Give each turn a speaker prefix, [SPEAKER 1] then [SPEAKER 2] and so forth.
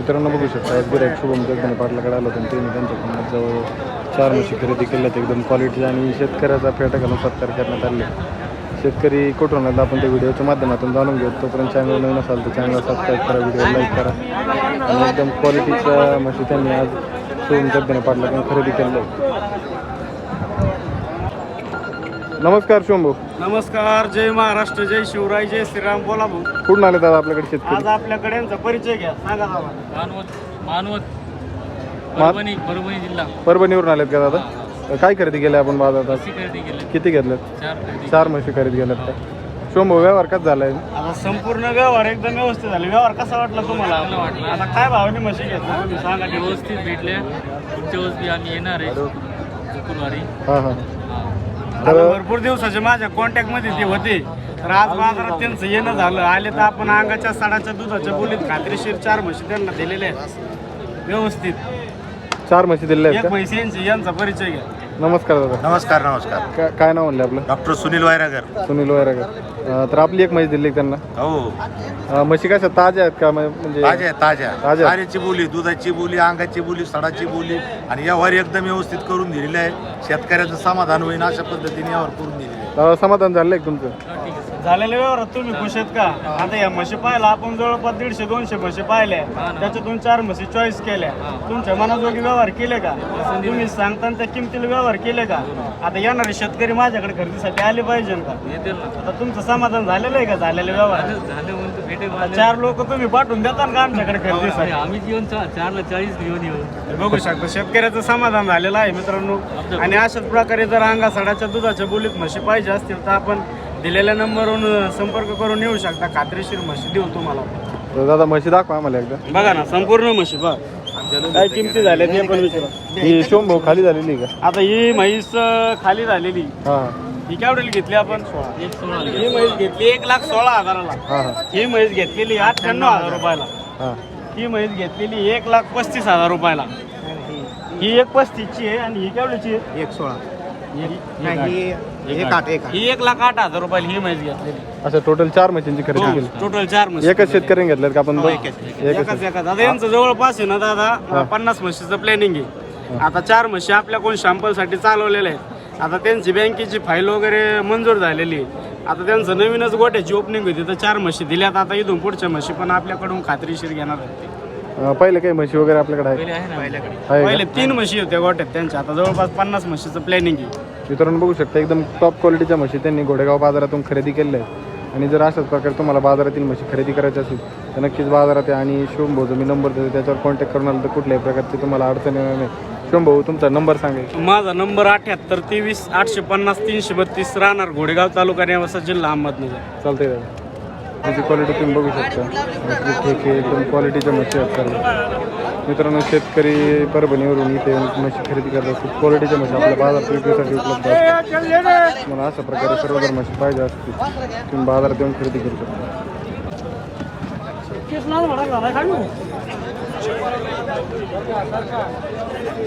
[SPEAKER 1] मित्रांनो बघू शकता गिराईक शुभम जगदाने पाटलाकडे आलो होतं त्यांनी त्यांच्याकडून जवळ 4 म्हशी खरेदी केल्यात एकदम क्वालिटीच्या आणि शेतकऱ्याचा फेटा घालून सत्कार करण्यात आले. शेतकरी कुठून आला आपण त्या व्हिडिओच्या माध्यमातून जाणून घेऊ. तोपर्यंत चॅनल नवीन असाल तर चॅनल सबस्क्राईब करा, व्हिडिओ लाईक करा. आणि एकदम क्वालिटीच्या म्हशी त्यांनी आज शुभम जगदाने पाटलाकडून खरेदी केल्या. नमस्कार शुभम भाऊ.
[SPEAKER 2] नमस्कार. जय महाराष्ट्र, जय शिवराय, जय श्रीराम. बोला भाऊ.
[SPEAKER 1] कुठून आले दादा आपल्याकडे शेतकरी?
[SPEAKER 2] आज आपल्याकडे यांचा परिचय घ्या, सांगा दादा.
[SPEAKER 3] परभणी जिल्हा.
[SPEAKER 1] परभणीवरून आलेत का दादा? काय खरेदी केलं आपण बाजारात? किती घेतल्यात? 4 म्हशी खरेदी केल्यात का? शुभम भाऊ व्यवहार कसा झालाय?
[SPEAKER 2] आता संपूर्ण व्यवहार एकदम व्यवस्थित झाले. व्यवहार कसा वाटला तुम्हाला? आता काय भावाने म्हशी घेतल्या तुम्ही सांगा.
[SPEAKER 3] व्यवस्थित भेटल्या. पुढच्या वर्षी आम्ही येणार आहे शुक्रवारी.
[SPEAKER 1] हां हां.
[SPEAKER 2] आता भरपूर दिवसाचे माझ्या कॉन्टॅक्ट मध्ये ते होते, तर आज बाजारात त्यांचं येणं झालं. आले तर आपण अंगाच्या साडाच्या दुधाच्या बोलीत खात्रीशीर 4 म्हशी त्यांना दिलेल्या आहेत व्यवस्थित.
[SPEAKER 1] 4 म्हशी दिलेल्या आहेत
[SPEAKER 2] एक
[SPEAKER 1] का?
[SPEAKER 2] म्हशींची यांचा परिचय घ्या.
[SPEAKER 1] नमस्कार दादा.
[SPEAKER 4] नमस्कार नमस्कार.
[SPEAKER 1] काय नाव म्हणले आपलं?
[SPEAKER 4] डॉक्टर सुनील वैरागर.
[SPEAKER 1] सुनील वैरागर. तर आपली एक म्हशी दिली त्यांना.
[SPEAKER 4] हो,
[SPEAKER 1] म्हशी कशा ताज्या आहेत का? म्हणजे
[SPEAKER 4] ताज्या ताज्या
[SPEAKER 1] ताज्या.
[SPEAKER 4] ताऱ्याची बोली, दुधाची बोली, अंगाची बोली, सडाची बोली आणि व्यवहार एकदम व्यवस्थित करून दिलेले आहे. शेतकऱ्याचं समाधान होईल अशा पद्धतीने व्यवहार करून दिलेले आहे.
[SPEAKER 1] दादा समाधान झालं आहे तुमचं?
[SPEAKER 2] झालेल्या व्यवहारात तुम्ही खुश आहेत का? आता या म्हशी पाहिला आपण जवळपास 150-200 म्हशी पाहिल्या, त्याच्यातून 4 म्हशी चॉईस केल्या. तुमच्या मनाजोगी व्यवहार केले का? तुम्ही सांगताना त्या किमतीला व्यवहार केले का? आता येणारे शेतकरी माझ्याकडे खरेदीसाठी आले पाहिजे का? आता तुमचं समाधान झालेलं आहे का झालेले व्यवहार?
[SPEAKER 3] झाले
[SPEAKER 2] 4 लोक तुम्ही पाठवून देतात का आमच्याकडे खरेदीसाठी?
[SPEAKER 3] आम्ही येऊन 4ला 40 घेऊन येऊ.
[SPEAKER 2] बघू शकता शेतकऱ्याचं समाधान झालेलं आहे मित्रांनो. आणि अशाच प्रकारे जर अंगा सडाच्या दुधाच्या बोलीत म्हशी पाहिजे असतील तर आपण दिलेल्या नंबरवरून संपर्क करून येऊ शकता. खात्रीशीर म्हशी देऊ तुम्हाला.
[SPEAKER 1] तर दादा म्हशी दाखवा आम्हाला एकदा.
[SPEAKER 2] बघा ना संपूर्ण म्हशी बघा काय किमती झाल्या ते पण विचारा.
[SPEAKER 1] ही शुभम भाऊ खाली झालेली आहे का?
[SPEAKER 2] आता ही म्हैस खाली झालेली.
[SPEAKER 1] हां
[SPEAKER 2] ही केवढ्याला घेतली आपण?
[SPEAKER 3] 16.
[SPEAKER 2] ही म्हैस घेतली 1,16,000ला.
[SPEAKER 1] हां हां
[SPEAKER 2] ही म्हैस घेतलेली 98,000 रुपयाला.
[SPEAKER 1] हां.
[SPEAKER 2] ही म्हैस घेतलेली 1,35,000 रुपयाला. ही 1,35,ची आहे आणि ही केवढ्याची आहे?
[SPEAKER 4] 116.
[SPEAKER 2] ही 1,08,000 रुपयाला ही म्हैस घेतलेली.
[SPEAKER 1] अच्छा टोटल 4 म्हशींची खरेदी केली.
[SPEAKER 2] टोटल 4 म्हशी.
[SPEAKER 1] एकच शेतकऱ्याने घेतल्यात का आपण?
[SPEAKER 2] एकाच आता यांचं जवळपास आहे ना दादा 50 म्हशीचं प्लॅनिंग आहे. आता 4 म्हशी आपल्या कोण शॅम्पलसाठी चालवलेल्या आहेत. आता त्यांची बँकेची फाईल वगैरे मंजूर झालेली आहे. आता त्यांचं नवीनच गोट्याची ओपनिंग होती तर 4 म्हशी दिल्यात. आता इथून पुढच्या म्हशी पण आपल्याकडून खात्रीशीर घेणार आहेत.
[SPEAKER 1] पहिले काही म्हशी वगैरे आपल्याकडे आहे? आहे
[SPEAKER 2] पहिले
[SPEAKER 1] का?
[SPEAKER 2] 3 म्हशी होत्या गोट्यात त्यांच्या. आता जवळपास 50 म्हशीचं प्लॅनिंग आहे.
[SPEAKER 1] मित्रांनो बघू शकता एकदम टॉप क्वालिटीच्या म्हशी त्यांनी घोडेगाव बाजारातून खरेदी केलेल्या आहेत. आणि जर अशाच प्रकारे तुम्हाला बाजारातील म्हशी खरेदी करायची असेल तर नक्कीच बाजारात या. आणि शुभम भाऊ मी नंबर देतो त्याच्यावर कॉन्टॅक्ट करून आलं तर कुठल्याही प्रकारची तुम्हाला अडचण येणार नाही. शुभम भाऊ तुमचा नंबर सांगायचा.
[SPEAKER 2] माझा नंबर 78 23 850 332 राहणार घोडेगाव तालुका नेवासा जिल्हा अहमदनगर.
[SPEAKER 1] चालतंय दादा. त्याची क्वालिटी तुम्ही बघू शकता. ठीक आहे एकदम क्वालिटीच्या म्हशी आहेत सर्व. मित्रांनो शेतकरी परभणीवरून इथे म्हशी खरेदी करतात. खूप क्वालिटीच्या म्हशी आपल्या बाजारात विक्रीसाठी उपलब्ध असतात. मला अशा प्रकारे सर्व जर म्हशी पाहिजे असतील तुम्ही बाजारात येऊन खरेदी करू शकता.